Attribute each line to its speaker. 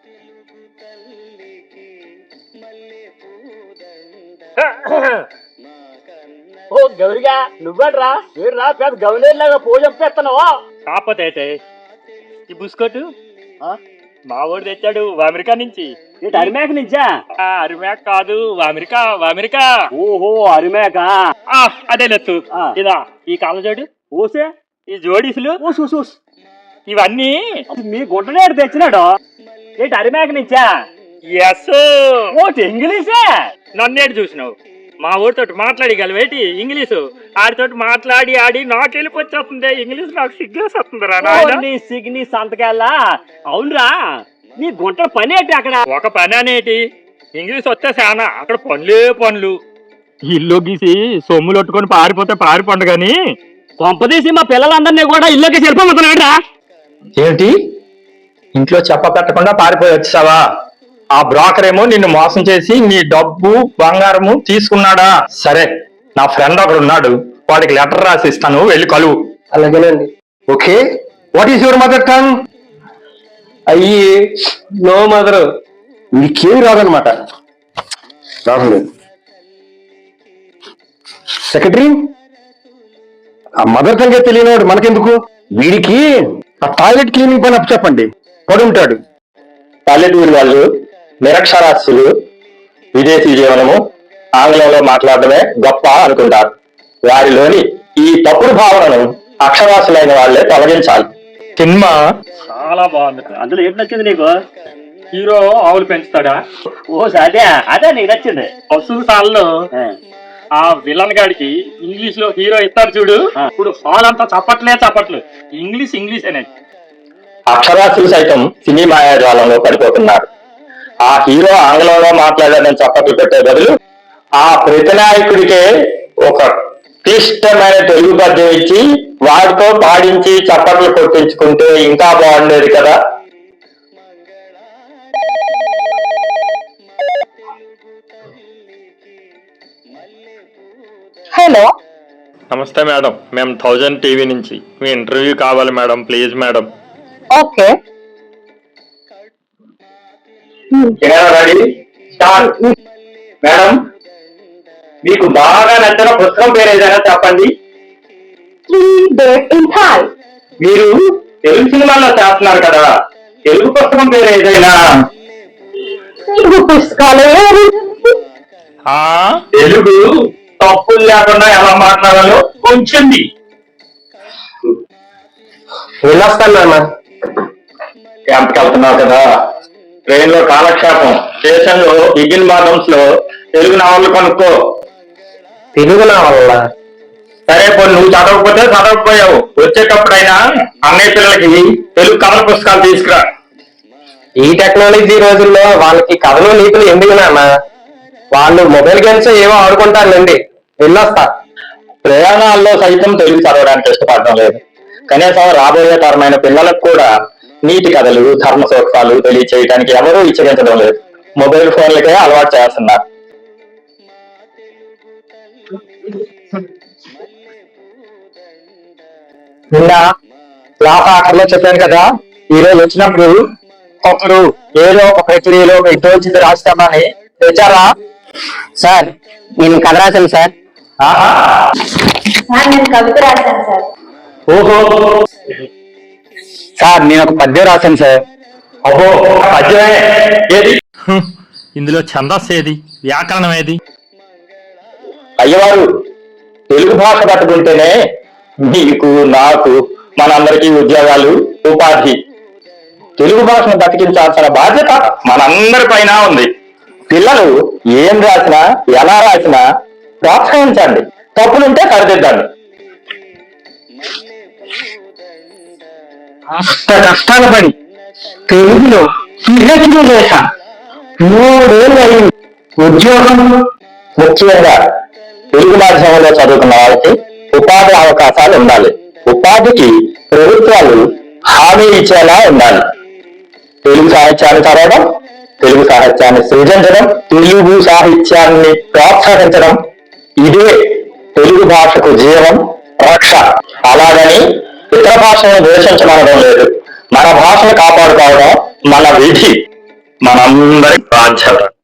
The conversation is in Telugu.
Speaker 1: ఓ గౌరిగా నువ్వడ్రా వీడురా పెద్ద గౌలేలాగా పూజ చంపేస్తున్నావా? కాకపోతే అయితే ఈ బుస్కోటు మా వాడు తెచ్చాడు అమెరికా నుంచి. అరిమేక నుంచా? అరిమేక కాదు, అమెరికా అమెరికా. ఓహో అరిమేక, అదే లెత్తు. ఇదా ఈ కాళ్ళ జోడు ఓసే, ఈ జోడీసులు ఇవన్నీ మీ గుడ్డనేడు తెచ్చినాడు. ఏంటి అరిమేక నుంచా? ఎస్. ఓటి ఇంగ్లీషే? నన్నేడు చూసినావు? మా ఊరితో మాట్లాడగలవేటి ఇంగ్లీషు? ఆడితోటి మాట్లాడి ఆడి నాకు వెళ్ళిపోతుంది ఇంగ్లీష్. నాకు సిగ్గేస్తుంది రా సిగ్ని సంతకాలా. అవునరా నీ గుంట పని ఏంటి అక్కడ? ఒక పని అనేటి ఇంగ్లీష్ వస్తే చాలా, అక్కడ పనులే పనులు. ఇల్లు గీసి సొమ్ములు కొట్టుకొని పారిపోతే పారిపోండు గాని కొంపదీసి మా పిల్లలందరినీ కూడా ఇల్లుకి చెరిపోతున్నాడా?
Speaker 2: ఏమిటి ఇంట్లో చెప్ప పెట్టకుండా పారిపోయి వచ్చావా? ఆ బ్రోకర్ ఏమో నిన్ను మోసం చేసి నీ డబ్బు బంగారము తీసుకున్నాడా? సరే, నా ఫ్రెండ్ ఒకడు ఉన్నాడు, వాడికి లెటర్ రాసి ఇస్తాను, వెళ్ళి కలువు.
Speaker 3: అలాగేనండి.
Speaker 2: Okay, what is your mother tongue?
Speaker 3: అయ్యి నో మదర్.
Speaker 2: నీకేమి రాదనమాట. రాలేదు. సెక్రటరీ, ఆ మదర్ టంగే తెలియనివాడు మనకెందుకు? వీడికి ఆ టాయిలెట్ క్లీనింగ్ పని అప్పు చెప్పండి, పడుంటాడు. పల్లెటూరు వాళ్ళు నిరక్షరాస్యులు, విదేశీ జీవనము, ఆంగ్లంలో మాట్లాడటమే గొప్ప అనుకుంటారు. వారిలోని ఈ తప్పుడు భావనను అక్షరాస్యులైన వాళ్లే తొలగించాలి. సినిమా
Speaker 1: చాలా బాగుంది. అందులో ఏంటి నచ్చింది నీకు? హీరో ఆవులు పెంచుతాడా? ఓ అదే అదే నీకు నచ్చింది. పశువు సాల్లో ఆ విలన్ గాడికి ఇంగ్లీష్ లో హీరో ఇస్తారు చూడు, ఇప్పుడు హాల్ అంతా చప్పట్లు ఇంగ్లీష్ అనేది.
Speaker 2: అక్షరాస్యులు సైతం సినీ మాయాజాలంలో పడిపోతున్నారు. ఆ హీరో ఆంగ్లంలో మాట్లాడాలని చప్పట్లు పెట్టే బదులు ఆ ప్రతినాయకుడికే ఒక క్లిష్టమైన తెలుగు పద్యం ఇచ్చి వాడితో పాడించి చప్పట్లు కొట్టించుకుంటే ఇంకా బాగుండేది కదా.
Speaker 4: హలో,
Speaker 2: నమస్తే మేడం, మేము 1000 టీవీ నుంచి మీ ఇంటర్వ్యూ కావాలి madam, please madam.
Speaker 4: Okay.
Speaker 2: Madam, మీకు బాగా నచ్చిన పుస్తకం పేరు ఏదైనా చెప్పండి. మీరు తెలుగు సినిమాల్లో చేస్తున్నారు కదా, తెలుగు పుస్తకం పేరు ఏదైనా?
Speaker 4: తెలుగు పుస్తకాలు
Speaker 2: తెలుగు తప్పులు లేకుండా ఎలా మాట్లాడాలో కొంచెం వెళ్ళొస్తాను నాన్న. క్యాంప్కి వెళ్తున్నావు కదా, ట్రైన్ లో కాలక్షేపం, స్టేషన్ లో బిగిన్ బాదమ్స్ లో తెలుగు నావళ్ళు కొనుక్కో.
Speaker 3: తెలుగు నావల్ల?
Speaker 2: సరే పోనీ, నువ్వు చదవకపోతే చదవకపోయావు, వచ్చేటప్పుడైనా అన్నయ్య పిల్లలకి తెలుగు కథల పుస్తకాలు తీసుకురా.
Speaker 3: ఈ టెక్నాలజీ రోజుల్లో వాళ్ళకి కథలు నీతులు ఎందుకు నాన్న? వాళ్ళు మొబైల్ గేమ్స్ ఏవో ఆడుకుంటారులేండి. వెళ్ళొస్తా.
Speaker 2: ప్రయాణాల్లో సైతం తెలుగు చదవడానికి ఇష్టపడడం లేదు. కనీసం రాబోయే తరమైన పిల్లలకు కూడా నీతి కథలు, ధర్మ సూత్రాలు తెలియచేయడానికి ఎవరూ ఇచ్చగించడం లేదు. మొబైల్ ఫోన్లకే అలవాటు చేస్తున్నారు. నిన్న క్లాస్ ఆఖరిలో చెప్పాను కదా, ఈ రోజు వచ్చినప్పుడు ఒకరు ఏదో ఒక ప్రక్రియలో మీకు తోచింది రాస్తామని తెచ్చారా?
Speaker 3: సార్, నేను కథ రాశాను సార్.
Speaker 4: నేను కవిత రాశాను సార్.
Speaker 2: ఓహో
Speaker 3: సార్, నేను ఒక పద్యం రాశాను సార్.
Speaker 2: అహో, పద్యమే ఏది?
Speaker 1: ఇందులో ఛందస్సు ఏది, వ్యాకరణం ఏది?
Speaker 2: అయ్యవారు, తెలుగు భాష పట్టుకుంటేనే మీకు, నాకు, మనందరికీ ఉద్యోగాలు, ఉపాధి. తెలుగు భాషను బతికించాల్సిన బాధ్యత మనందరి పైన ఉంది. పిల్లలు ఏం రాసినా, ఎలా రాసినా ప్రోత్సహించండి, తప్పులుంటే సరిదిద్దండి.
Speaker 3: కష్టాలు పడి తెలుగులో PhD చేశా, 3 ఏళ్ళు అయింది.
Speaker 2: ఉద్యోగం ముఖ్యంగా తెలుగు మాధ్యమంలో చదువుకున్న వాళ్ళకి ఉపాధి అవకాశాలు ఉండాలి. ఉపాధికి ప్రభుత్వాలు హామీ ఇచ్చేలా ఉండాలి. తెలుగు సాహిత్యాన్ని చదవడం, తెలుగు సాహిత్యాన్ని సృజించడం, తెలుగు సాహిత్యాన్ని ప్రోత్సహించడం, ఇదే తెలుగు భాషకు జీవం, రక్ష. అలాగని ఇతర భాషను ద్వేషించమనడం లేదు. మన భాషను కాపాడుకోవడం మన విధి. మనందరి బాధ్యత.